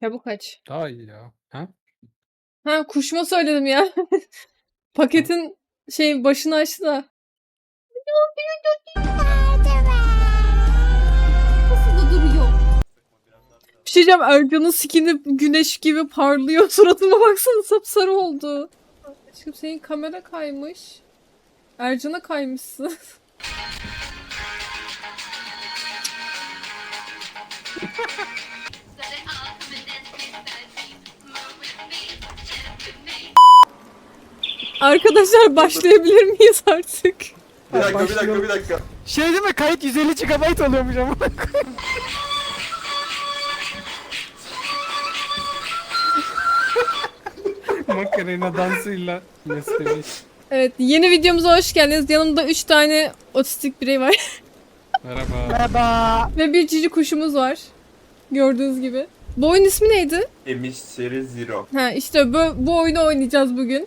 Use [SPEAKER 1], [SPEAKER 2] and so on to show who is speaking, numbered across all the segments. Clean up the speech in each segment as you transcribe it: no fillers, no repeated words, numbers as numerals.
[SPEAKER 1] Çabuk aç.
[SPEAKER 2] Daha iyi ya. Ha?
[SPEAKER 1] Ha kuşma söyledim ya. Paketin başını açtı da. Nasıl da duruyor? Bir şey diyeceğim, Ercan'ın skini güneş gibi parlıyor. Suratıma baksana, sapsarı oldu. Aşkım senin kamera kaymış. Ercan'a kaymışsın. Arkadaşlar başlayabilir miyiz artık?
[SPEAKER 3] Bir dakika.
[SPEAKER 4] Şey değil mi? Kayıt 150 GB oluyormuş ama.
[SPEAKER 2] Makarena dansıyla mesleği.
[SPEAKER 1] Evet, yeni videomuza hoş geldiniz. Yanımda 3 tane otistik birey var.
[SPEAKER 2] Merhaba.
[SPEAKER 4] Merhaba.
[SPEAKER 1] Ve bir cici kuşumuz var. Gördüğünüz gibi. Bu oyun ismi neydi?
[SPEAKER 3] Emiş Seri Zero.
[SPEAKER 1] Ha işte bu oyunu oynayacağız bugün.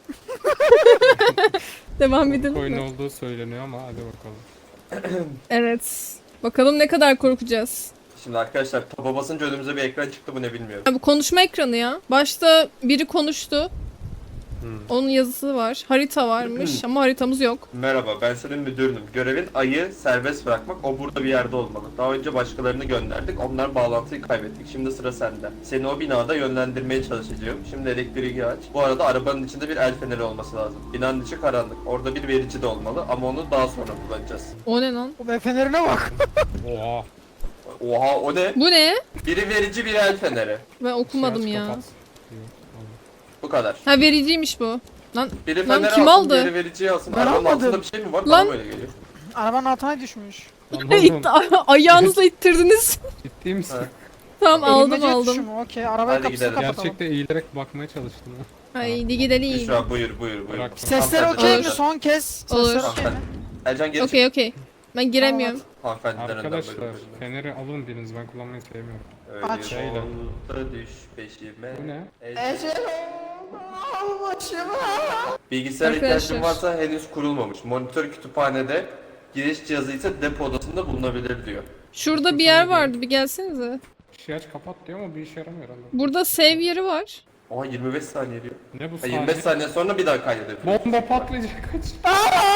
[SPEAKER 1] Devam edelim
[SPEAKER 2] Oyun
[SPEAKER 1] mi?
[SPEAKER 2] olduğu söyleniyor ama hadi bakalım.
[SPEAKER 1] Evet. Bakalım ne kadar korkacağız.
[SPEAKER 3] Şimdi arkadaşlar taba basınca önümüze bir ekran çıktı, bu ne bilmiyorum.
[SPEAKER 1] Ha, bu konuşma ekranı ya. Başta biri konuştu. Onun yazısı var. Harita varmış ama haritamız yok.
[SPEAKER 3] Merhaba, ben senin müdürünüm. Görevin ayı serbest bırakmak. O burada bir yerde olmalı. Daha önce başkalarını gönderdik. Onlar bağlantıyı kaybettik. Şimdi sıra sende. Seni o binada yönlendirmeye çalışacağım. Şimdi elektriği aç. Bu arada arabanın içinde bir el feneri olması lazım. Binanın içi karanlık. Orada bir verici de olmalı ama onu daha sonra kullanacağız.
[SPEAKER 1] O ne lan?
[SPEAKER 4] O fenerine bak.
[SPEAKER 2] Oha.
[SPEAKER 3] Oha, o ne?
[SPEAKER 1] Bu ne?
[SPEAKER 3] Biri verici, biri el feneri.
[SPEAKER 1] Ben okumadım
[SPEAKER 2] Şey aç,
[SPEAKER 1] ya.
[SPEAKER 2] kapat. Yok,
[SPEAKER 3] Bu kadar.
[SPEAKER 1] Ha vericiymiş bu. Lan
[SPEAKER 3] Biri
[SPEAKER 1] Lan
[SPEAKER 3] feneri
[SPEAKER 1] kim
[SPEAKER 3] alsın,
[SPEAKER 1] aldı?
[SPEAKER 3] biri vericiyi alsın.
[SPEAKER 4] Ben
[SPEAKER 3] Arabanın
[SPEAKER 4] almadım.
[SPEAKER 3] altında bir şey mi var?
[SPEAKER 1] Lan.
[SPEAKER 3] Bana böyle geliyor.
[SPEAKER 4] Arabanın altına düşmüş.
[SPEAKER 2] Lan oğlum,
[SPEAKER 1] ayağınızla ittirdiniz.
[SPEAKER 2] ciddi misin?
[SPEAKER 3] Ha.
[SPEAKER 1] Tamam aldım
[SPEAKER 4] Eğilmece
[SPEAKER 1] aldım.
[SPEAKER 4] tuşu mu? Okey. Arabanın
[SPEAKER 3] Hadi
[SPEAKER 4] kapısını
[SPEAKER 3] gidelim.
[SPEAKER 4] kapatalım.
[SPEAKER 2] Gerçekte eğilerek bakmaya çalıştım ha.
[SPEAKER 1] Haydi gidelim.
[SPEAKER 3] Büşra buyur.
[SPEAKER 2] Bırak.
[SPEAKER 4] Sesler
[SPEAKER 3] Hanımefendi,
[SPEAKER 4] okey mi?
[SPEAKER 1] Olur.
[SPEAKER 4] Son kez.
[SPEAKER 1] Olur.
[SPEAKER 4] Sesler okey mi?
[SPEAKER 3] Ercan geri çık.
[SPEAKER 1] Okey okey. Ben giremiyorum.
[SPEAKER 3] Hanımefendiden önden
[SPEAKER 2] Arkadaşlar
[SPEAKER 3] buyurun.
[SPEAKER 2] feneri alın biriniz, ben kullanmayı sevmiyorum.
[SPEAKER 3] Öyle
[SPEAKER 4] Aç.
[SPEAKER 2] Şeyle.
[SPEAKER 3] yolda düş peşime.
[SPEAKER 2] Bu ne?
[SPEAKER 4] Ecel başıma.
[SPEAKER 3] Bilgisayar
[SPEAKER 1] Arkadaşlar.
[SPEAKER 3] ihtiyacın varsa henüz kurulmamış. Monitör kütüphanede, giriş cihazı ise depo odasında bulunabilir diyor.
[SPEAKER 1] Şurada bir yer vardı, bir gelsenize.
[SPEAKER 2] Şey aç kapat diyor ama bir işe yaramıyor herhalde.
[SPEAKER 1] Burada save yeri var.
[SPEAKER 3] Oha 25 saniye diyor.
[SPEAKER 2] Ne bu
[SPEAKER 3] Ha,
[SPEAKER 2] saniye?
[SPEAKER 3] 25 saniye sonra bir daha kaydedebilir.
[SPEAKER 2] Bomba patlayacak, kaç.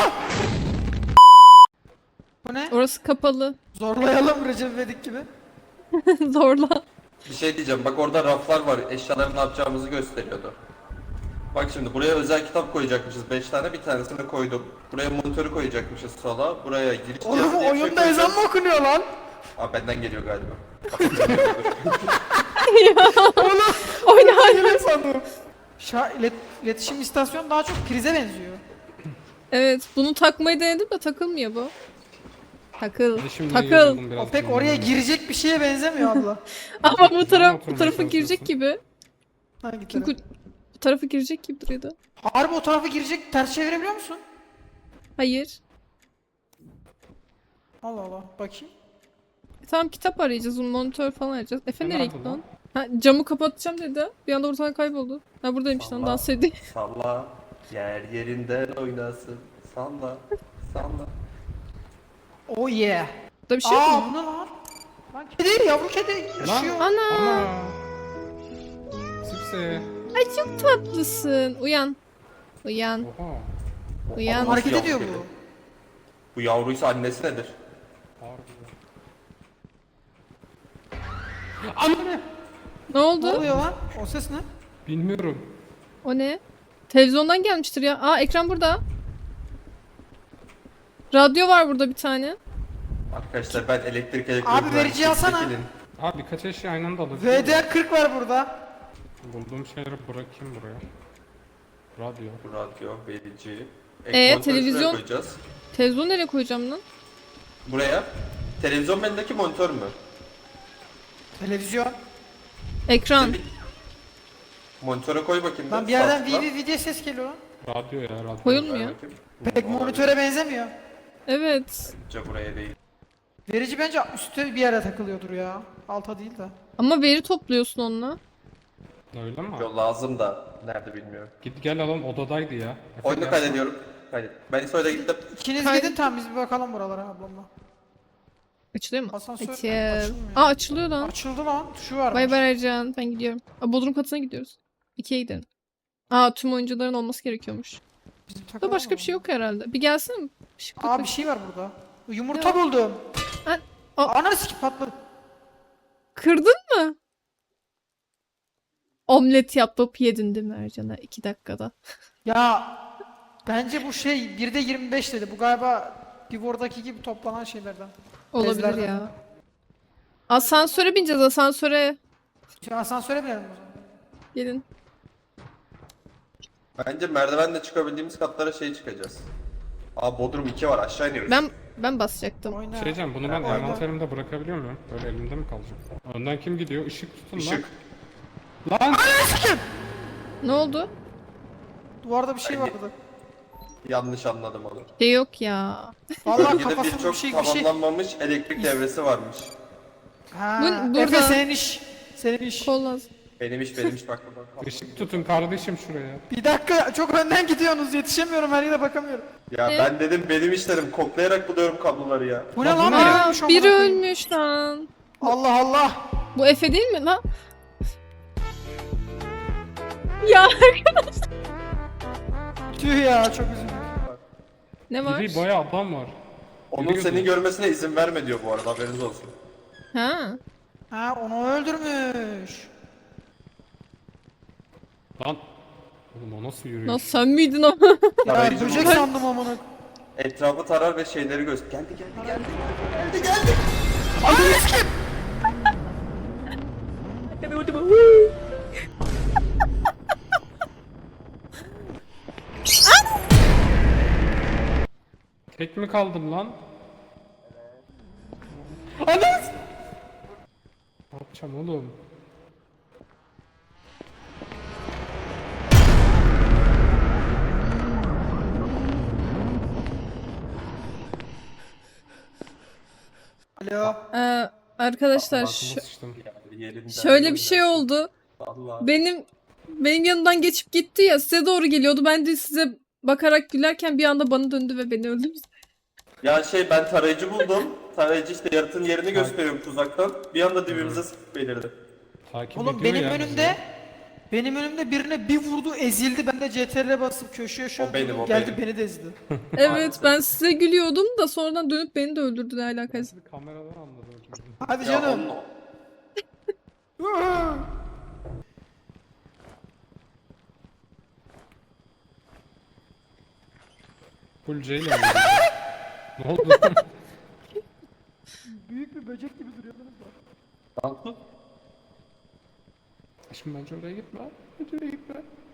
[SPEAKER 4] Bu ne?
[SPEAKER 1] Orası kapalı.
[SPEAKER 4] Zorlayalım Recep İvedik gibi.
[SPEAKER 1] Zorla.
[SPEAKER 3] Bir şey diyeceğim, bak orada raflar var, eşyaları ne yapacağımızı gösteriyordu. Bak şimdi buraya özel kitap koyacakmışız 5 tane, bir tanesini koydum. Buraya monitörü koyacakmışız sola, buraya giriş cihazı
[SPEAKER 4] Oğlum
[SPEAKER 3] diye bir şey
[SPEAKER 4] oyunda ezan
[SPEAKER 3] koyacağız.
[SPEAKER 4] mı okunuyor lan?
[SPEAKER 3] Aa, benden geliyor galiba.
[SPEAKER 1] Oyna hala.
[SPEAKER 4] Öyle sandım. İletişim istasyon daha çok prize benziyor.
[SPEAKER 1] Evet, bunu takmayı denedim de takılmıyor bu. Takıl.
[SPEAKER 2] Şimdi
[SPEAKER 1] Takıl.
[SPEAKER 2] yazılım biraz
[SPEAKER 4] O pek
[SPEAKER 2] bilmiyorum.
[SPEAKER 4] oraya girecek bir şeye benzemiyor abla.
[SPEAKER 1] Ama bu
[SPEAKER 2] oturmaya
[SPEAKER 1] tarafa
[SPEAKER 2] çalışıyorsun?
[SPEAKER 1] girecek gibi.
[SPEAKER 4] Hangi taraf?
[SPEAKER 1] Çünkü bu tarafa girecek gibi duruyordu.
[SPEAKER 4] Harbi o tarafa girecek, ters çevirebiliyor musun?
[SPEAKER 1] Hayır.
[SPEAKER 4] Allah Allah, bakayım.
[SPEAKER 1] Tamam, kitap arayacağız, monitör falan arayacağız. Efe
[SPEAKER 2] Ne
[SPEAKER 1] nereye
[SPEAKER 2] yaptın
[SPEAKER 1] gitti
[SPEAKER 2] lan?
[SPEAKER 1] lan? Ha, camı kapatacağım dedi. Bir anda ortadan kayboldu. Ha buradaymış lan,
[SPEAKER 3] Allah.
[SPEAKER 1] dans ediyor.
[SPEAKER 3] Salla, yer yerinden oynasın. Salla, salla.
[SPEAKER 4] Oh yeah.
[SPEAKER 1] Burada bir şey yok
[SPEAKER 4] Aa
[SPEAKER 1] mu?
[SPEAKER 4] bu ne lan? Lan kedi, yavru kedi yaşıyor.
[SPEAKER 1] Ana.
[SPEAKER 2] Ana. Sipse.
[SPEAKER 1] Ay çok tatlısın. Uyan. Uyan.
[SPEAKER 2] Oha.
[SPEAKER 1] Uyan.
[SPEAKER 3] Nasıl
[SPEAKER 4] Hareket
[SPEAKER 3] yavru
[SPEAKER 4] ediyor
[SPEAKER 3] kedi?
[SPEAKER 4] bu.
[SPEAKER 3] Bu yavruysa annesi nedir?
[SPEAKER 2] Harbi. Anne.
[SPEAKER 1] Ne oldu?
[SPEAKER 4] Ne oluyor lan? O ses ne?
[SPEAKER 2] Bilmiyorum.
[SPEAKER 1] O ne? Televizyondan gelmiştir ya. Aa, ekran burada. Radyo var burada bir tane.
[SPEAKER 3] Arkadaşlar ben elektrik
[SPEAKER 4] Abi, verici alsana.
[SPEAKER 3] çekilin.
[SPEAKER 2] Abi birkaç eşya aynı anda alabiliyor muyum?
[SPEAKER 4] VDR40 var burada.
[SPEAKER 2] Bulduğum şeyleri bırakayım buraya. Radyo.
[SPEAKER 3] Radyo, verici. monitörü
[SPEAKER 1] televizyon-
[SPEAKER 3] şuraya koyacağız.
[SPEAKER 1] Televizyon nereye koyacağım lan?
[SPEAKER 3] Buraya. Televizyon bendeki monitör mü?
[SPEAKER 4] Televizyon.
[SPEAKER 1] Ekran.
[SPEAKER 3] Monitöre koy bakayım.
[SPEAKER 4] Lan bir
[SPEAKER 3] sağ
[SPEAKER 4] yerden
[SPEAKER 3] tıkla.
[SPEAKER 4] VV diye ses geliyor lan.
[SPEAKER 2] Radyo ya radyo.
[SPEAKER 3] Ver
[SPEAKER 1] Koyulmuyor.
[SPEAKER 3] bakayım.
[SPEAKER 4] Pek monitöre benzemiyor.
[SPEAKER 1] Evet.
[SPEAKER 3] Bence buraya değil.
[SPEAKER 4] Verici bence üstte bir yere takılıyordur ya. Alta değil de.
[SPEAKER 1] Ama veri topluyorsun onunla.
[SPEAKER 2] Öyle mi?
[SPEAKER 3] Yol lazım da nerede bilmiyorum.
[SPEAKER 2] Git gel alalım, odadaydı ya. Efe
[SPEAKER 3] Oyunu
[SPEAKER 2] gel.
[SPEAKER 3] kaydediyorum. Kaydet. Ben İso'yla gittim.
[SPEAKER 4] İkiniz
[SPEAKER 1] Haydi.
[SPEAKER 4] gidin, tamam biz bir bakalım buralara ablamla.
[SPEAKER 1] Açılıyor mu?
[SPEAKER 4] Asansör
[SPEAKER 1] Açıl.
[SPEAKER 4] açılmıyor.
[SPEAKER 1] Aa açılıyor lan.
[SPEAKER 4] Açıldı lan. Tuşu var.
[SPEAKER 1] Bay bay Ercan. Ben gidiyorum. Aa, Bodrum katına gidiyoruz. 2'ye gidelim. Aa tüm oyuncuların olması gerekiyormuş. Burada başka bir şey yok herhalde. Bir gelsene mi?
[SPEAKER 4] Aa bir şey var burada. Yumurta buldum.
[SPEAKER 1] Ha, o-
[SPEAKER 4] Ananı sikip patladı.
[SPEAKER 1] Kırdın mı? Omlet yapıp yedin değil mi Ercan'a 2 dakikada?
[SPEAKER 4] Ya bence bu şey 1'de 25 dedi. Bu galiba Divor'daki gibi toplanan şeylerden.
[SPEAKER 1] Olabilir
[SPEAKER 4] Bezlerden.
[SPEAKER 1] ya. Asansöre bineceğiz asansöre.
[SPEAKER 4] Şimdi asansöre binelim o zaman.
[SPEAKER 1] Gelin.
[SPEAKER 3] Bence merdivenle çıkabildiğimiz katlara çıkacağız. Aa Bodrum 2 var, aşağı iniyoruz.
[SPEAKER 1] Ben basacaktım.
[SPEAKER 4] Oyna.
[SPEAKER 2] Şey diyeceğim, bunu ben
[SPEAKER 3] Oyna.
[SPEAKER 2] envanterimde bırakabiliyor muyum? Böyle elimde mi kalacak? Önden kim gidiyor? Işık tutun
[SPEAKER 3] Işık.
[SPEAKER 2] lan. Lan!
[SPEAKER 1] Ne oldu?
[SPEAKER 4] Duvarda bir şey
[SPEAKER 3] Bence-
[SPEAKER 4] vardı.
[SPEAKER 3] Yanlış anladım onu.
[SPEAKER 1] Şey yok ya.
[SPEAKER 4] Vallahi
[SPEAKER 3] Bölgede
[SPEAKER 4] kafasında
[SPEAKER 3] birçok
[SPEAKER 4] bir şey.
[SPEAKER 3] tamamlanmamış elektrik devresi varmış.
[SPEAKER 4] Ha,
[SPEAKER 1] Burada-
[SPEAKER 4] Efe senin iş. Senin iş.
[SPEAKER 1] Kol lazım.
[SPEAKER 3] Benim iş bak.
[SPEAKER 2] Işık tutun kardeşim şuraya.
[SPEAKER 4] Bir dakika çok önden gidiyorsunuz. Yetişemiyorum her yere bakamıyorum.
[SPEAKER 3] Ya ben dedim benim iş dedim, koklayarak buluyorum kabloları ya.
[SPEAKER 4] Bu ne lan?
[SPEAKER 2] Aa,
[SPEAKER 4] Biri
[SPEAKER 1] Aa
[SPEAKER 4] ölmüş amına
[SPEAKER 1] biri
[SPEAKER 4] koyayım.
[SPEAKER 1] ölmüş lan.
[SPEAKER 4] Allah Allah.
[SPEAKER 1] Bu Efe değil mi lan? Ya
[SPEAKER 4] Tüh ya çok üzüldüm.
[SPEAKER 1] ne var?
[SPEAKER 2] Biri bayağı adam var.
[SPEAKER 3] Onun
[SPEAKER 2] Biri
[SPEAKER 3] seni
[SPEAKER 2] gözüküyor.
[SPEAKER 3] görmesine izin verme diyor bu arada, haberiniz olsun.
[SPEAKER 1] Ha.
[SPEAKER 4] Ha onu öldürmüş.
[SPEAKER 2] Lan. Oğlum o nasıl yürüyor?
[SPEAKER 1] Nasıl sen miydin o?
[SPEAKER 4] Ya
[SPEAKER 3] Tarayıcı
[SPEAKER 4] böcek
[SPEAKER 3] buldum.
[SPEAKER 4] sandım amına.
[SPEAKER 3] Etrafı tarar ve şeyleri göster. Geldi.
[SPEAKER 2] Tek mi kaldım lan?
[SPEAKER 4] Anam.
[SPEAKER 2] Ne yapacağım oğlum?
[SPEAKER 4] Alo.
[SPEAKER 1] Arkadaşlar
[SPEAKER 2] Altıma sıçtım.
[SPEAKER 1] şöyle bir şey oldu.
[SPEAKER 3] Allah.
[SPEAKER 1] Benim yanımdan geçip gitti ya, size doğru geliyordu. Ben de size bakarak gülerken bir anda bana döndü ve beni öldürdü.
[SPEAKER 3] Ya ben tarayıcı buldum. Tarayıcı yaratığın yerini gösteriyorum tuzaktan. Bir anda dibimize sıkıp belirdi.
[SPEAKER 2] Takip
[SPEAKER 4] Oğlum
[SPEAKER 2] ediyor
[SPEAKER 4] benim
[SPEAKER 2] ya
[SPEAKER 4] önümde benim önümde birine bir vurdu ezildi. Ben de CTRL'e basıp köşeye şöyle
[SPEAKER 3] O benim,
[SPEAKER 4] durdum,
[SPEAKER 3] o
[SPEAKER 4] geldi
[SPEAKER 3] benim.
[SPEAKER 4] beni de ezdi.
[SPEAKER 1] Evet ben size gülüyordum da sonradan dönüp beni de öldürdü, ne alakası.
[SPEAKER 2] bizi. Kameradan anladı öldürdüm.
[SPEAKER 4] Hadi
[SPEAKER 3] Ya
[SPEAKER 4] canım.
[SPEAKER 2] Full C ile mi? Ne oldu?
[SPEAKER 4] Büyük bir böcek gibi duruyordunuz da.
[SPEAKER 3] Lan
[SPEAKER 2] Şimdi bence oraya gitme. Bence oraya gitme.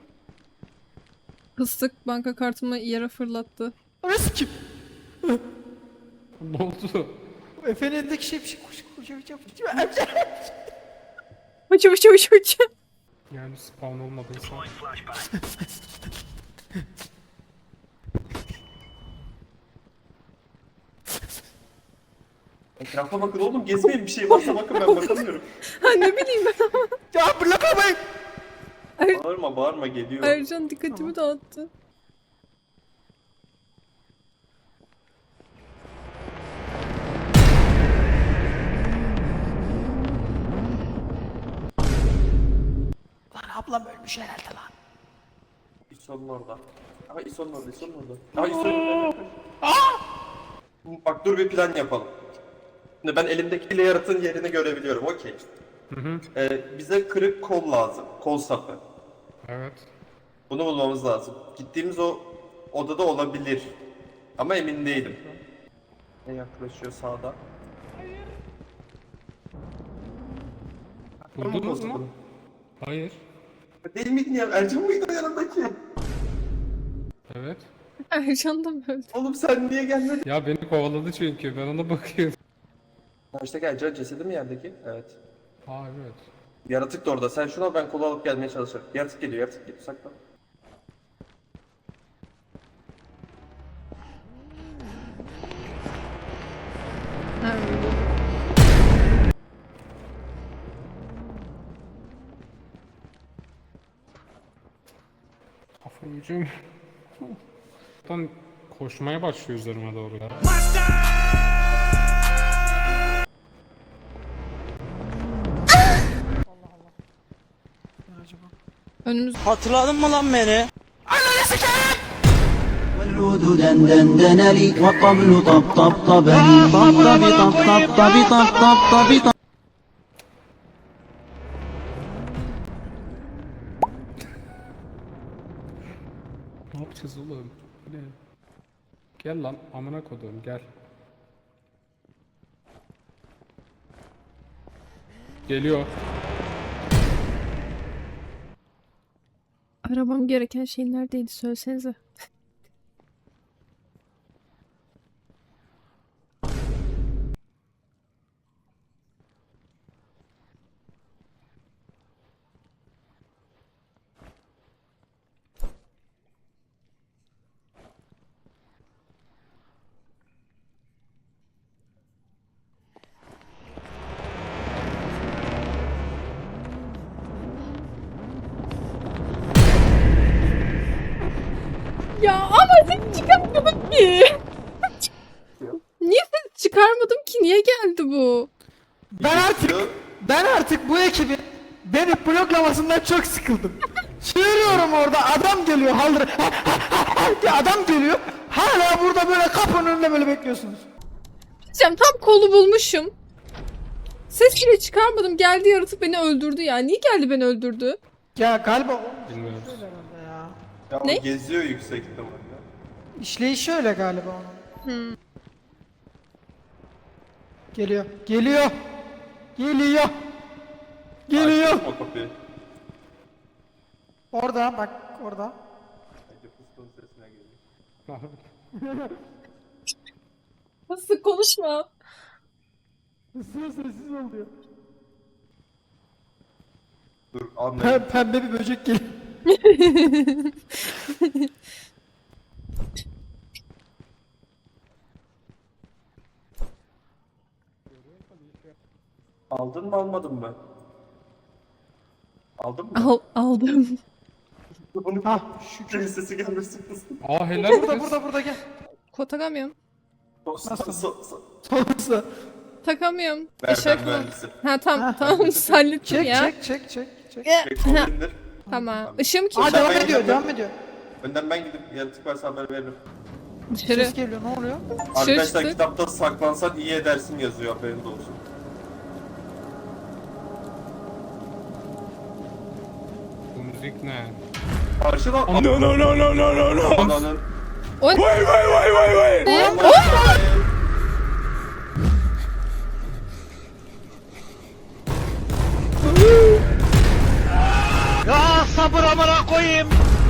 [SPEAKER 1] Fıstık banka kartımı yere fırlattı.
[SPEAKER 4] Orası kim?
[SPEAKER 2] Ne oldu?
[SPEAKER 4] Efe'nin elindeki şey bir şey koş.
[SPEAKER 1] Uç.
[SPEAKER 2] Yani spawn olmadıysa.
[SPEAKER 3] etrafa bakın oğlum, gezmeyin, bir şey varsa bakın, ben bakamıyorum.
[SPEAKER 1] Ha ne bileyim ben.
[SPEAKER 4] Ya bırakamayın.
[SPEAKER 3] Bağırma geliyor.
[SPEAKER 1] Ercan dikkatimi dağıttı.
[SPEAKER 4] Lan ablam ölmüş herhalde lan.
[SPEAKER 3] İson'un orada. Ama İson'un orada. Aa İson'un orada. Bak dur, bir plan yapalım. Şimdi ben elimdekiyle yaratığın yerini görebiliyorum, okey. Bize kırık kol lazım. Kol sapı.
[SPEAKER 2] Evet.
[SPEAKER 3] Bunu bulmamız lazım. Gittiğimiz o odada olabilir. Ama emin değilim. Ne yaklaşıyor sağda?
[SPEAKER 2] Buldunuz mu? Hayır.
[SPEAKER 3] Değil miydin ya? Ercan mıydı o yanındaki?
[SPEAKER 2] Evet.
[SPEAKER 1] Ercan da mı öldü?
[SPEAKER 3] Oğlum sen niye gelmedin?
[SPEAKER 2] Ya beni kovaladı çünkü ben ona bakıyorum.
[SPEAKER 3] İşte Ercan cesedi mi yerdeki? Evet.
[SPEAKER 2] Aa evet.
[SPEAKER 3] Yaratık da orada. Sen şunu al, ben kolu alıp gelmeye çalışırım. Yaratık geliyor. Saklan.
[SPEAKER 1] Ha, öldü.
[SPEAKER 2] Kafayı yiyeceğim. Buradan koşmaya başlıyor üzerime doğru ya.
[SPEAKER 1] Önümüz...
[SPEAKER 5] Hatırladın mı lan beni?
[SPEAKER 6] والعود دندن لي والطبل طب طب طبني طب طب طب طب طب طب طب طب طب.
[SPEAKER 2] Ne yapacağız oğlum? Bu ne? Gel lan amına koduğum gel. Geliyor.
[SPEAKER 1] Aramam gereken şey neredeydi söylesenize. Ya ama ses çıkarmadım ki. Niye ses çıkarmadım ki? Niye geldi bu?
[SPEAKER 4] Ben artık bu ekibin beni bloklamasından çok sıkıldım. Çığırıyorum orada, adam geliyor haldır diye adam geliyor. Hala burada böyle kapının önünde böyle bekliyorsunuz.
[SPEAKER 1] Diyeceğim, tam kolu bulmuşum. Ses bile çıkarmadım. Geldi yaratık beni öldürdü ya. Niye geldi beni öldürdü?
[SPEAKER 4] Ya galiba o
[SPEAKER 2] Bilmiyoruz.
[SPEAKER 4] ya.
[SPEAKER 3] Ya o
[SPEAKER 1] Ne?
[SPEAKER 3] geziyor yüksek ihtimalle.
[SPEAKER 4] İşleyişi öyle galiba onun. Geliyor. Geliyor. Geliyor. Geliyor.
[SPEAKER 3] Açtın mı o kapıyı?
[SPEAKER 4] Orada bak orada.
[SPEAKER 3] Bence fıstığın sesine geliyor.
[SPEAKER 1] Nasıl konuşma?
[SPEAKER 4] Sessiz oluyor.
[SPEAKER 3] Dur anlayayım.
[SPEAKER 4] Pembe bir böcek geliyor.
[SPEAKER 3] Aldın mı almadın mı? Aldın mı?
[SPEAKER 1] Aldım.
[SPEAKER 3] Bunu
[SPEAKER 4] Hah şükür.
[SPEAKER 3] sesi gelmesin fıstığın.
[SPEAKER 2] Aa helal
[SPEAKER 4] Burada
[SPEAKER 2] kız.
[SPEAKER 4] burada gel.
[SPEAKER 1] Ko takamıyorum.
[SPEAKER 4] Sonrası.
[SPEAKER 1] Takamıyorum.
[SPEAKER 3] Ver
[SPEAKER 1] Eşek
[SPEAKER 3] ben
[SPEAKER 1] mi?
[SPEAKER 3] mühendisim.
[SPEAKER 1] Ha tamam hallettim
[SPEAKER 4] Çek
[SPEAKER 1] ya.
[SPEAKER 4] çek.
[SPEAKER 3] Çek kolu indir.
[SPEAKER 1] Tamam. Işığım kim?
[SPEAKER 4] Aa devam
[SPEAKER 3] ben
[SPEAKER 4] ediyor
[SPEAKER 3] gidiyorum.
[SPEAKER 4] devam ediyor.
[SPEAKER 3] Önden ben gidip yaratık varsa haber veririm.
[SPEAKER 1] Dışarı.
[SPEAKER 4] Ses geliyor ne oluyor?
[SPEAKER 3] Arkadaşlar
[SPEAKER 1] çıktı.
[SPEAKER 3] kitapta saklansan iyi edersin yazıyor, haberiniz olsun.
[SPEAKER 2] Bu müzik ne?
[SPEAKER 3] Karşıdan... Ananın...
[SPEAKER 1] O ne? Ne?
[SPEAKER 5] Ya sabır amına koyayım.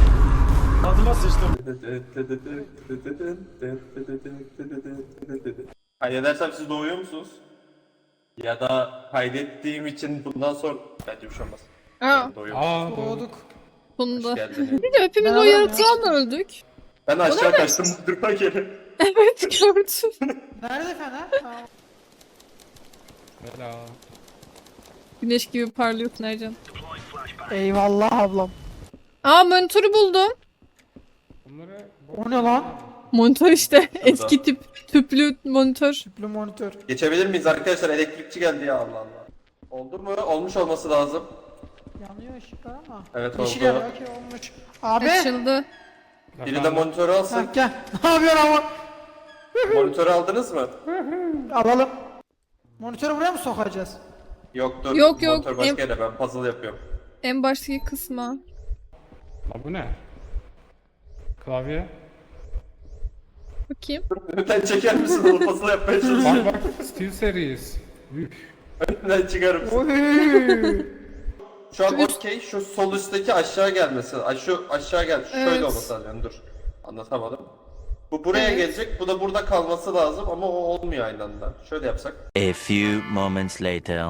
[SPEAKER 3] Kaydedersem siz doğuyor musunuz? Ya da kaydettiğim için bundan sonra... Bence bir şey olmaz.
[SPEAKER 1] Aa,
[SPEAKER 3] Doğuyor.
[SPEAKER 2] Aa doğru.
[SPEAKER 4] Doğduk.
[SPEAKER 1] sonunda.
[SPEAKER 3] Geldiniz.
[SPEAKER 1] Bir de hepimiz
[SPEAKER 4] Ben
[SPEAKER 1] o
[SPEAKER 4] alamam
[SPEAKER 1] yaratığa mı öldük?
[SPEAKER 3] Ben aşağı kaçtım durma geri.
[SPEAKER 1] Evet gördüm.
[SPEAKER 4] Nerede Fener? Ha,
[SPEAKER 2] Helal.
[SPEAKER 1] Güneş gibi parlıyorsun Ercan.
[SPEAKER 4] eyvallah ablam.
[SPEAKER 1] Aa monitörü buldum.
[SPEAKER 2] Bunları...
[SPEAKER 4] O ne lan?
[SPEAKER 1] Monitör işte. Eski tip. Tüplü monitör.
[SPEAKER 4] Tüplü monitör.
[SPEAKER 3] Geçebilir miyiz arkadaşlar? Elektrikçi geldi ya, Allah Allah. Oldu mu? Olmuş olması lazım.
[SPEAKER 4] Yanıyor ışıklar ama.
[SPEAKER 3] Evet
[SPEAKER 4] Yeşil
[SPEAKER 3] oldu.
[SPEAKER 4] yanıyor okey olmuş. Abi.
[SPEAKER 1] Açıldı.
[SPEAKER 3] Biri de monitörü alsın.
[SPEAKER 4] Ha, gel. Ne yapıyorsun ama?
[SPEAKER 3] Monitörü aldınız mı?
[SPEAKER 4] Alalım. Monitörü buraya mı sokacağız?
[SPEAKER 3] Yok dur.
[SPEAKER 1] Yok,
[SPEAKER 3] Monitör başka
[SPEAKER 1] em-
[SPEAKER 3] yere, ben puzzle yapıyorum.
[SPEAKER 1] En baştaki kısma.
[SPEAKER 2] Aa bu ne? Klavye.
[SPEAKER 1] Bakayım.
[SPEAKER 3] Önden çeker misin onu, puzzle yapmaya çalışıyorum.
[SPEAKER 2] Bak Steel Series. Üf.
[SPEAKER 3] Önden çıkar mısın?
[SPEAKER 4] Oy.
[SPEAKER 3] Şu an okey, şu sol üstteki aşağı gelmesi. Şu aşağı gel. Şöyle
[SPEAKER 1] Evet.
[SPEAKER 3] olması lazım. Yani dur. Anlatamadım. Bu buraya
[SPEAKER 1] Evet.
[SPEAKER 3] gelecek. Bu da burada kalması lazım ama o olmuyor aynı anda. Şöyle yapsak.
[SPEAKER 7] A few moments later.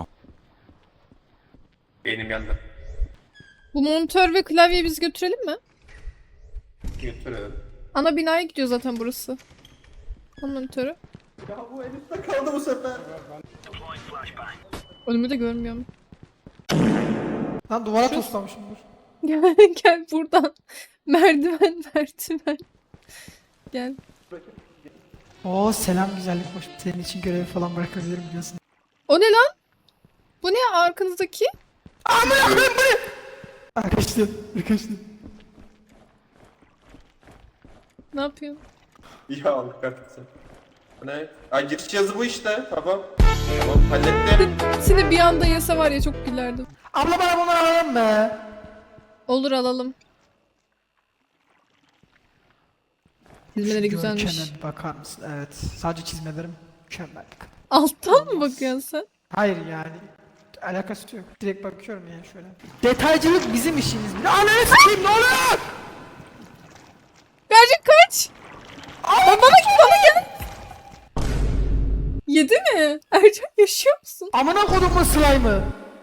[SPEAKER 3] Benim yandı.
[SPEAKER 1] Bu monitör ve klavyeyi biz götürelim mi?
[SPEAKER 3] Götürelim.
[SPEAKER 1] Ana binaya gidiyor zaten burası. O monitörü.
[SPEAKER 3] Ya bu elimde kaldı bu sefer.
[SPEAKER 1] Önümü de görmüyorum.
[SPEAKER 4] Lan duvara toslamışım dur.
[SPEAKER 1] Gel, gel buradan. Merdiven. Gel.
[SPEAKER 4] Oo selam güzellik hoş. Senin için görevi falan bırakabilirim biliyorsun.
[SPEAKER 1] O ne lan? Bu ne arkanızdaki?
[SPEAKER 4] Kaçtı. Kaçtı.
[SPEAKER 1] Ne yapıyorsun?
[SPEAKER 3] Ya Allah kahretsin. Ne? Ay giriş yazı bu işte. Tamam. Tamam hallettim.
[SPEAKER 1] Seni bir anda yese var ya çok gülerdim.
[SPEAKER 4] Abla bana bunları alalım mı?
[SPEAKER 1] Olur alalım. Çizmeleri güzelmiş.
[SPEAKER 4] Görkeme bakar mısın? Evet. Sadece çizmelerim mükemmel.
[SPEAKER 1] Alttan mı bakıyorsun sen?
[SPEAKER 4] Hayır yani. Alakası yok. Direkt bakıyorum yani şöyle. Detaycılık bizim işimiz. Ne ananı sikeyim ne oluyor?
[SPEAKER 1] Gerçek kaç? Bana gel. Yedi mi? Ercan yaşıyor musun?
[SPEAKER 4] Amına kodumun slime'ı.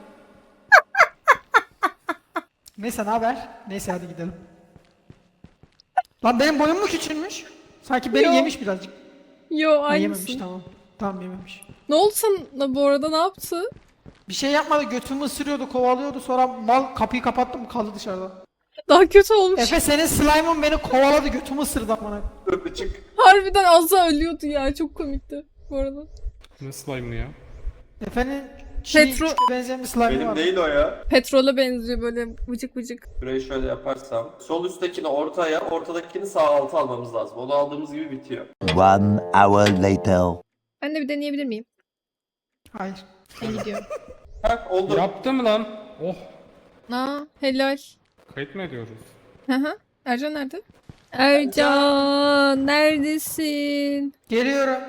[SPEAKER 4] Neyse ne haber? Neyse hadi gidelim. Lan benim boyum mu küçülmüş? Sanki beni
[SPEAKER 1] Yo.
[SPEAKER 4] yemiş birazcık.
[SPEAKER 1] Yo
[SPEAKER 4] Ha, yememiş
[SPEAKER 1] aynısın.
[SPEAKER 4] tamam. Tamam yememiş.
[SPEAKER 1] Ne oldu sana bu arada ne yaptı?
[SPEAKER 4] Bir şey yapmadı götümü ısırıyordu kovalıyordu sonra mal kapıyı kapattım kaldı dışarıda.
[SPEAKER 1] Daha kötü olmuş.
[SPEAKER 4] Efe senin slime'ın beni kovaladı götümü ısırdı amına.
[SPEAKER 3] Dur çık.
[SPEAKER 1] Harbiden az daha ölüyordu ya. Çok komikti bu arada.
[SPEAKER 2] Ne slime'lı ya?
[SPEAKER 4] Efe'nin
[SPEAKER 1] Petro-
[SPEAKER 4] benzeyen bir slime'ı
[SPEAKER 3] Benim
[SPEAKER 4] var.
[SPEAKER 3] değil o ya.
[SPEAKER 1] Petrole benziyor böyle vıcık vıcık.
[SPEAKER 3] Burayı şöyle yaparsam. Sol üsttekini ortaya, ortadakini sağ alta almamız lazım. Onu aldığımız gibi bitiyor.
[SPEAKER 7] 1 hour later.
[SPEAKER 1] Ben de bir deneyebilir miyim?
[SPEAKER 4] Hayır.
[SPEAKER 1] Ben gidiyorum.
[SPEAKER 3] Heh oldu.
[SPEAKER 2] Yaptım lan. Oh.
[SPEAKER 1] Aa helal.
[SPEAKER 2] Kayıt mı ediyoruz?
[SPEAKER 1] Hı hı. Ercan nerede? Ercan neredesin?
[SPEAKER 4] Geliyorum.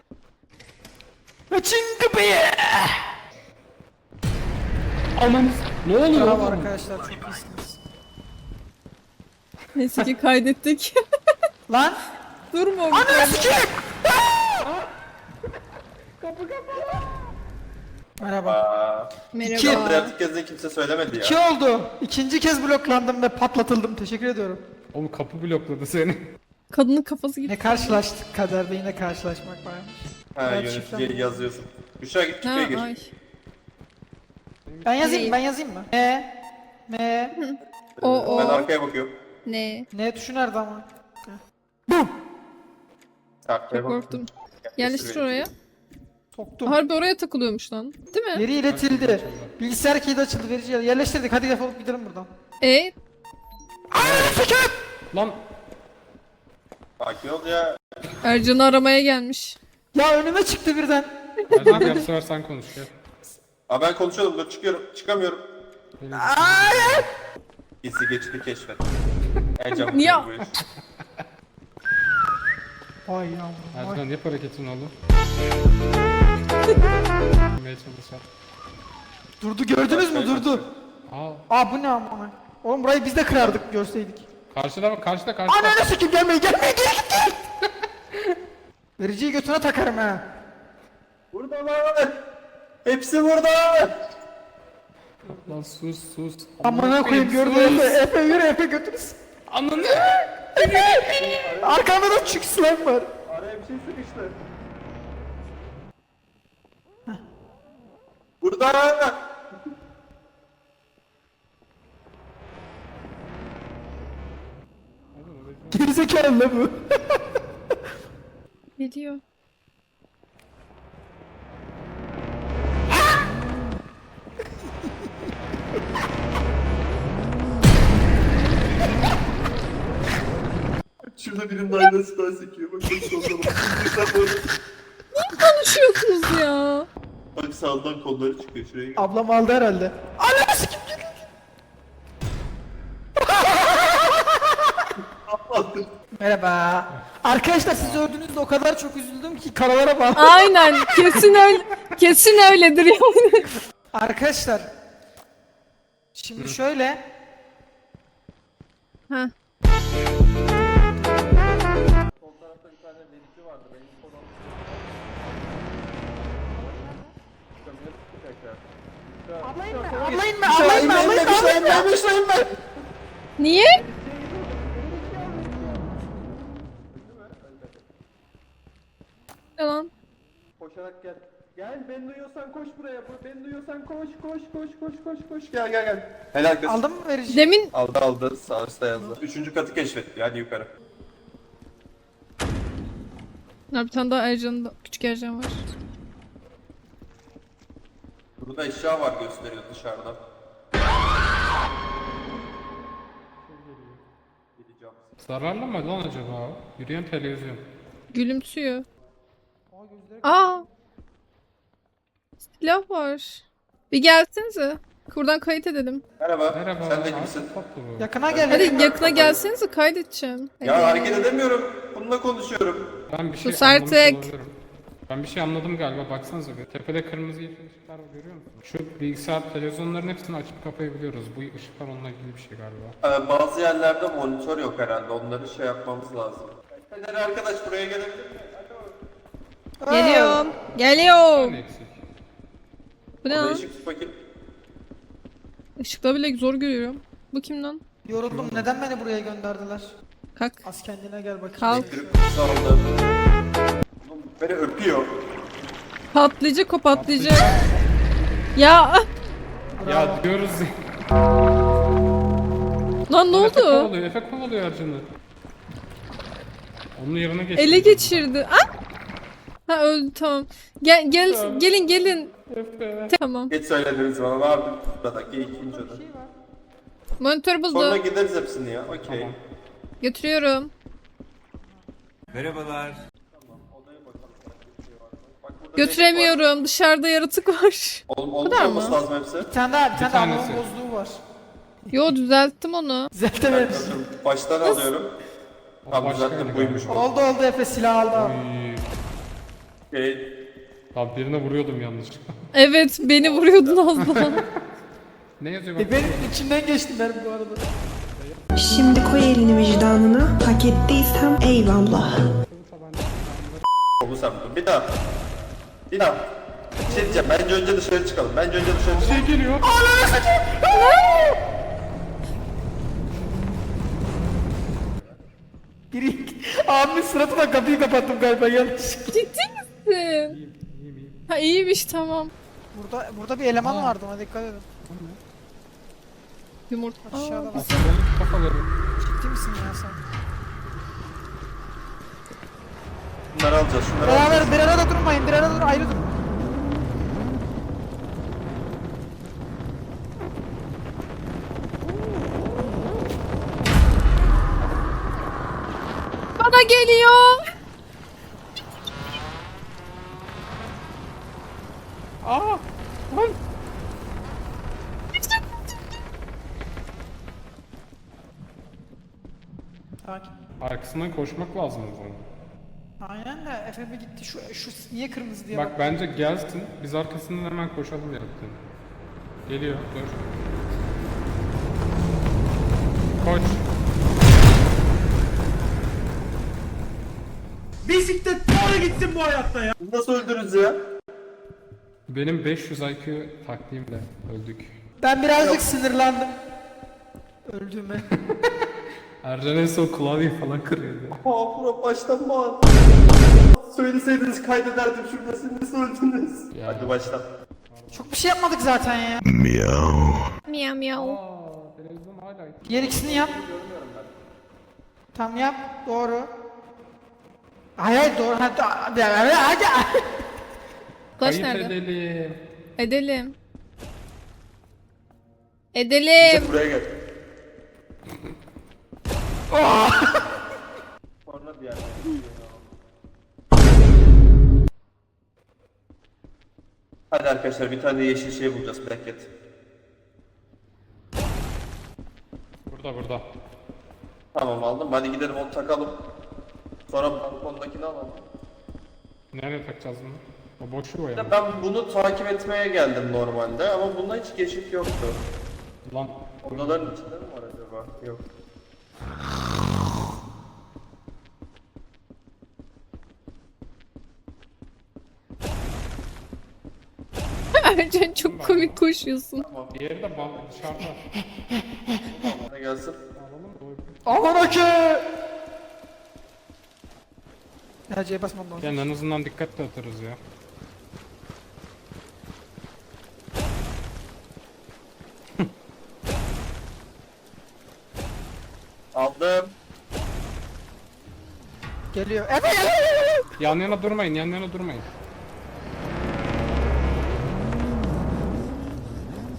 [SPEAKER 4] Açın kapıyı.
[SPEAKER 2] Aman. Ne oluyor
[SPEAKER 4] Bravo
[SPEAKER 2] oğlum?
[SPEAKER 4] arkadaşlar çok iyisiniz.
[SPEAKER 1] Neyse ki kaydettik.
[SPEAKER 4] Lan.
[SPEAKER 1] Durma.
[SPEAKER 4] Ananı sikeyim. Merhaba.
[SPEAKER 3] Aa,
[SPEAKER 1] Merhaba.
[SPEAKER 3] pratik kez kimse söylemedi ya.
[SPEAKER 4] 2 oldu. İkinci kez bloklandım ve patlatıldım. Teşekkür ediyorum.
[SPEAKER 2] Oğlum kapı blokladı seni.
[SPEAKER 1] Kadının kafası gitti.
[SPEAKER 4] Ne karşılaştık kaderde yine karşılaşmak varmış.
[SPEAKER 3] Ha
[SPEAKER 4] Evet,
[SPEAKER 3] yöneticiye
[SPEAKER 4] şifrem.
[SPEAKER 3] yazıyorsun. Büşra git çıkıyor gir.
[SPEAKER 1] Ay.
[SPEAKER 4] Ben yazayım mı? M.
[SPEAKER 1] O.
[SPEAKER 3] Ben arkaya bakıyorum.
[SPEAKER 1] Ne?
[SPEAKER 4] N tuşu nerede ama?
[SPEAKER 3] Arkaya
[SPEAKER 1] Çok korktum. Yerleştir oraya.
[SPEAKER 4] Soktum.
[SPEAKER 1] Harbi oraya takılıyormuş lan. Değil mi?
[SPEAKER 4] Veri iletildi. Bilgisayar kilidi açıldı. Verici yerleştirdik. Hadi defolup gidelim buradan.
[SPEAKER 2] Lan.
[SPEAKER 3] Sakin ol ya.
[SPEAKER 1] Ercan'ı aramaya gelmiş.
[SPEAKER 4] Ya önüme çıktı birden.
[SPEAKER 2] Ercan gel bu sefer sen konuş gel.
[SPEAKER 3] Aa ben konuşuyordum dur çıkıyorum. Çıkamıyorum.
[SPEAKER 4] Hayır.
[SPEAKER 3] Gizli geçidi keşfet. Ercan
[SPEAKER 1] Niye?
[SPEAKER 3] bu iş.
[SPEAKER 4] Ay yavrum. Ay.
[SPEAKER 2] Ercan yap hareketini oğlum. Yemeye çalışalım.
[SPEAKER 4] Durdu gördünüz mü? Durdu.
[SPEAKER 2] Aa.
[SPEAKER 4] Aa bu ne amına? Oğlum burayı biz de kırardık görseydik.
[SPEAKER 2] Karşıda bak karşıda.
[SPEAKER 4] Ananı sikim gelmeyin geri git. Vericiyi götüne takarım ha.
[SPEAKER 3] Buradalar. Hepsi burada.
[SPEAKER 2] Lan sus.
[SPEAKER 4] Amına koyayım gördün mü? Efe yürü Efe götürüz.
[SPEAKER 2] Ananı.
[SPEAKER 4] Arkamda da çık slime var.
[SPEAKER 3] Araya bir şey sıkıştı. Burada.
[SPEAKER 4] Gerizekalı la bu.
[SPEAKER 1] Geliyor.
[SPEAKER 3] Şurada birinin aynası daha sekiyor. Bak bak solda bak.
[SPEAKER 1] Konuşuyorsunuz ya.
[SPEAKER 3] Bak sağdan kolları çıkıyor şuraya gel.
[SPEAKER 4] Ablam aldı herhalde. Ananı sikim gel. Merhaba. Arkadaşlar siz öldüğünüzde o kadar çok üzüldüm ki karalara bağlı.
[SPEAKER 1] Aynen. Kesin öyledir yani.
[SPEAKER 4] Arkadaşlar. Şimdi şöyle.
[SPEAKER 1] Ha.
[SPEAKER 3] Sol tarafta bir tane verici vardı. Benim konu
[SPEAKER 4] Ablayın mı?
[SPEAKER 1] Niye? Ne lan?
[SPEAKER 3] Koşarak gel. Gel beni duyuyorsan koş buraya. Beni duyuyorsan koş. Gel. Helal kız.
[SPEAKER 4] Aldın mı verici?
[SPEAKER 1] Demin
[SPEAKER 3] Aldı. Sağ üstte yazdı. Üçüncü katı keşfetti. Hadi yukarı.
[SPEAKER 1] bir tane daha Ercan'da küçük Ercan var.
[SPEAKER 3] Burada eşya var gösteriyor dışarıda.
[SPEAKER 2] Zararlı mı lan acaba? Yürüyen televizyon.
[SPEAKER 1] Gülümsüyor. Aa! Silah var. Bir gelsenize. Buradan kayıt edelim.
[SPEAKER 3] Merhaba.
[SPEAKER 2] Merhaba.
[SPEAKER 3] Sen de
[SPEAKER 2] abi,
[SPEAKER 3] kimsin?
[SPEAKER 2] tatlı bu.
[SPEAKER 4] Yakına gel.
[SPEAKER 1] Hadi yakına gelsenize kaydedeceğim.
[SPEAKER 3] Ya
[SPEAKER 1] Hadi.
[SPEAKER 3] hareket edemiyorum. Bununla konuşuyorum.
[SPEAKER 2] Ben bir şey
[SPEAKER 1] Sus
[SPEAKER 2] anlamış
[SPEAKER 1] artık.
[SPEAKER 2] olabilirim. Ben bir şey anladım galiba, baksanıza bir. Tepede kırmızı yeşil ışıklar var, görüyor musun? Şu bilgisayar, televizyonların hepsini açıp kapayabiliyoruz. Bu ışıklar onunla ilgili bir şey galiba.
[SPEAKER 3] Bazı yerlerde monitör yok herhalde. Onları şey yapmamız lazım. Fener arkadaş buraya gelebilir mi?
[SPEAKER 1] Geliyorum.
[SPEAKER 2] Bir
[SPEAKER 1] Geliyorum.
[SPEAKER 2] tane eksik.
[SPEAKER 1] Bu ne
[SPEAKER 3] Orada
[SPEAKER 1] lan?
[SPEAKER 3] ışık tut bakayım.
[SPEAKER 1] Işıkla bile zor görüyorum. Bu kim lan?
[SPEAKER 4] Yoruldum. Neden beni buraya gönderdiler?
[SPEAKER 1] Kalk.
[SPEAKER 4] Az kendine gel bakayım.
[SPEAKER 1] Kalk.
[SPEAKER 3] Elektrik kutusu aldım. Oğlum beni öpüyor.
[SPEAKER 1] Patlayacak o patlayacak. Ya
[SPEAKER 2] Ya diyoruz ya.
[SPEAKER 1] lan ne
[SPEAKER 2] Efe
[SPEAKER 1] oldu?
[SPEAKER 2] kovalıyor, Efe kovalıyor Ercan'ı. Onun yerine geçti.
[SPEAKER 1] Ele geçirdi. Ah! Ha öldü tamam. Gelin gelin.
[SPEAKER 2] Efe.
[SPEAKER 1] Tamam.
[SPEAKER 3] Geç söylediniz bana abi. Buradaki ikinci oda.
[SPEAKER 1] Monitör
[SPEAKER 3] Sonra
[SPEAKER 1] buldu.
[SPEAKER 3] gideriz hepsini ya. Okey.
[SPEAKER 2] Tamam.
[SPEAKER 1] Götürüyorum. Götüremiyorum. Dışarıda yaratık var.
[SPEAKER 3] Oğlum
[SPEAKER 1] kadar
[SPEAKER 3] olmuş
[SPEAKER 1] mı?
[SPEAKER 3] lazım hepsi.
[SPEAKER 4] Bir tane daha
[SPEAKER 2] tanesi.
[SPEAKER 4] anlamın bozduğu var.
[SPEAKER 1] Yo düzelttim onu.
[SPEAKER 4] Düzeltemedim.
[SPEAKER 3] Baştan alıyorum. Tamam
[SPEAKER 2] başka
[SPEAKER 3] zaten
[SPEAKER 2] bir
[SPEAKER 3] buymuş.
[SPEAKER 4] Oldu Efe silah aldı abi.
[SPEAKER 3] Okey.
[SPEAKER 2] Abi birine vuruyordum yanlışlıkla.
[SPEAKER 1] Evet beni vuruyordun az daha.
[SPEAKER 2] Ne yazıyor bak?
[SPEAKER 4] Benim içimden geçti benim bu arada.
[SPEAKER 8] Şimdi koy elini vicdanına. Hak ettiysem eyvallah.
[SPEAKER 3] Bu sen bu. Bir daha. Bir daha. Bir şey diyeceğim. Bence önce dışarı çıkalım. Bence önce dışarı çıkalım.
[SPEAKER 2] Şey geliyor.
[SPEAKER 4] Biri abimin suratına kapıyı kapattım galiba yanlış.
[SPEAKER 1] Ciddi misin? Ha iyiymiş tamam.
[SPEAKER 4] Burada bir eleman vardı ona dikkat edin.
[SPEAKER 1] Yumurta.
[SPEAKER 4] Aşağıda bak.
[SPEAKER 2] Kafaları.
[SPEAKER 4] Ciddi misin ya sen?
[SPEAKER 3] Bunları alacağız. Şunları alacağız.
[SPEAKER 4] Beraber bir arada durmayın, bir arada dur, ayrı durun.
[SPEAKER 1] Bana geliyor.
[SPEAKER 2] Aa! Lan!
[SPEAKER 4] Sakin.
[SPEAKER 2] Arkasından koşmak lazım o zaman.
[SPEAKER 4] Aynen de Efe bir gitti şu niye kırmızı diye
[SPEAKER 2] Bak bence gelsin, biz arkasından hemen koşalım yaratığın. Geliyor, dur. Koş.
[SPEAKER 3] Biz nasıl öldürürüz ya?
[SPEAKER 2] Benim 500 IQ taktiğimle öldük.
[SPEAKER 4] Ben birazcık sinirlendim. Öldüğüme.
[SPEAKER 2] Ercan en son klavyeyi falan kırıyordu.
[SPEAKER 3] Pro baştan mı? Söyleseydiniz kaydederdim şurada. Siz nasıl öldünüz?
[SPEAKER 2] Ya.
[SPEAKER 3] Hadi baştan.
[SPEAKER 4] Çok bir şey yapmadık zaten ya.
[SPEAKER 1] Miyav miyav.
[SPEAKER 2] Aa, televizyon hala.
[SPEAKER 4] Diğer ikisini yap. Tam yap. Doğru. Hayır doğru. Hadi.
[SPEAKER 1] Flash
[SPEAKER 2] Kayıt
[SPEAKER 1] nerede?
[SPEAKER 2] edelim.
[SPEAKER 1] Edelim. Edelim.
[SPEAKER 3] Buraya gel. Sonra bir yerde. Hadi arkadaşlar bir tane yeşil şey bulacağız. Black Cat.
[SPEAKER 2] Burada.
[SPEAKER 3] Tamam aldım. Hadi gidelim onu takalım. Sonra balkondakini alalım.
[SPEAKER 2] Nereye takacağız bunu? O boşluğu o
[SPEAKER 3] Bir
[SPEAKER 2] ya.
[SPEAKER 3] de ben bunu takip etmeye geldim normalde ama bunda hiç geçit yoktu.
[SPEAKER 2] Lan.
[SPEAKER 3] Odaların içinde mi var acaba? Yok.
[SPEAKER 1] Ercan çok komik koşuyorsun.
[SPEAKER 2] Diğeri de dışarıda.
[SPEAKER 3] Hadi gelsin.
[SPEAKER 4] Aman ki. Ya C'ye basmam lazım.
[SPEAKER 2] Yani en azından dikkatli atarız ya.
[SPEAKER 3] Aldım.
[SPEAKER 4] Geliyor. Efe.
[SPEAKER 2] Yan yana durmayın.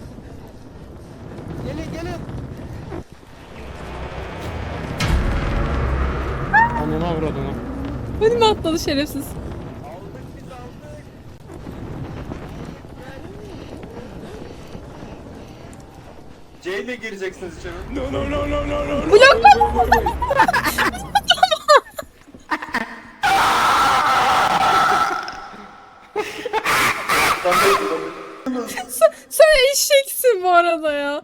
[SPEAKER 4] Gelin.
[SPEAKER 1] Önüme atladı şerefsiz.
[SPEAKER 3] C ile gireceksiniz içeri.
[SPEAKER 1] Bloklama. Sen eşeksin bu arada ya.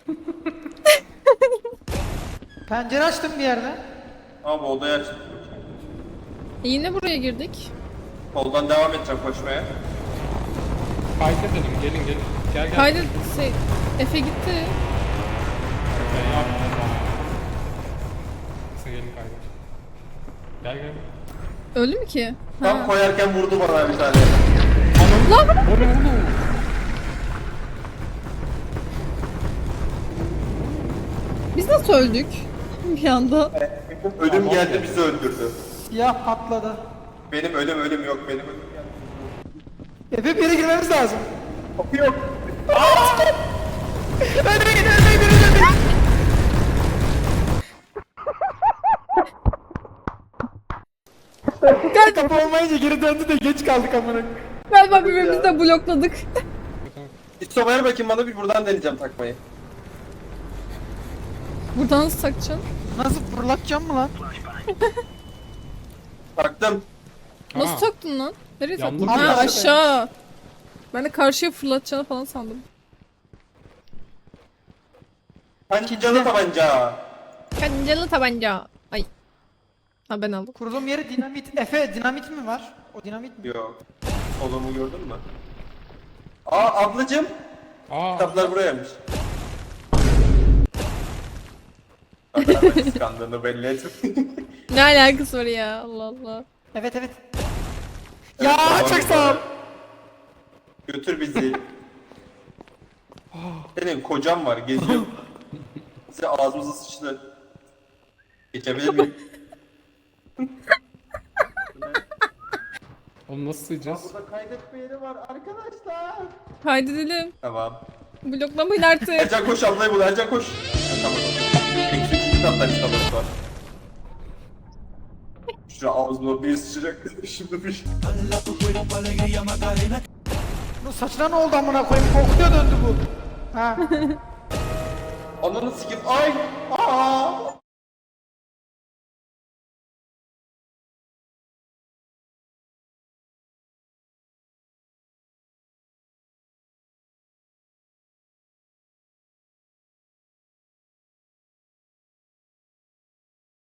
[SPEAKER 4] Pencere açtım bir yerden.
[SPEAKER 3] Abi odaya aç.
[SPEAKER 1] Yine buraya girdik.
[SPEAKER 3] Soldan devam edeceğim koşmaya.
[SPEAKER 2] Kaydedelim gelin gelin. Gel gel.
[SPEAKER 1] Kaydı Efe gitti.
[SPEAKER 2] Neyse, gelin kaydet. Gel gel.
[SPEAKER 1] Öldü mü ki?
[SPEAKER 3] Tam koyarken vurdu bana bir tane.
[SPEAKER 2] O ne oğlum?
[SPEAKER 1] Biz nasıl öldük? Bir anda.
[SPEAKER 3] Ölüm geldi bizi öldürdü.
[SPEAKER 4] Siyah patladı.
[SPEAKER 3] Benim ölüm yok benim ölüm geldi.
[SPEAKER 4] Efe bir yere girmemiz lazım.
[SPEAKER 3] Kapı yok.
[SPEAKER 4] Önüme gidin, önüme gidin, önüme gidin. Kapı olmayınca geri döndü de geç kaldık amına.
[SPEAKER 1] Galiba birbirimizi de blokladık.
[SPEAKER 3] İşte ver bakayım bana bir buradan deneyeceğim takmayı.
[SPEAKER 1] Buradan nasıl takacaksın?
[SPEAKER 4] Nasıl fırlatacağım mı lan?
[SPEAKER 3] Taktım.
[SPEAKER 1] Nasıl
[SPEAKER 2] Aa.
[SPEAKER 1] taktın lan? Nereye taktın?
[SPEAKER 2] Yandım
[SPEAKER 1] Ha
[SPEAKER 4] ya.
[SPEAKER 1] aşağı. Ben de karşıya fırlatacağını falan sandım.
[SPEAKER 3] Pancalı tabanca.
[SPEAKER 1] Kancalı tabanca. Ay. Ha ben aldım.
[SPEAKER 4] Kurulum yeri dinamit. Efe dinamit mi var? O dinamit mi?
[SPEAKER 3] Yok. Solumu gördün mü? Aa ablacım.
[SPEAKER 2] Aa.
[SPEAKER 3] Kitaplar burayaymış. Kadar kıskandığını belli et.
[SPEAKER 1] Ne alakası var ya Allah Allah.
[SPEAKER 4] Evet evet. Ya
[SPEAKER 3] Tamam,
[SPEAKER 4] çok sağ ol.
[SPEAKER 3] Götür bizi. Senin kocan var geziyor. Size ağzımıza sıçtı. Geçebilir miyim?
[SPEAKER 2] Oğlum nasıl sığacağız?
[SPEAKER 3] Burada kaydetme yeri var arkadaşlar.
[SPEAKER 1] Kaydedelim.
[SPEAKER 3] Tamam.
[SPEAKER 1] Bloklamayın artık.
[SPEAKER 3] Ercan koş ablayı bul Ercan koş. Tamam. Eksi 3. kattan kitabımız var. Şu ağzıma bir sıçacak şimdi bir.
[SPEAKER 4] Bu saçına ne oldu amına koyayım? Kokuya döndü bu. Ha.
[SPEAKER 3] Ananı sikip ay. Aa.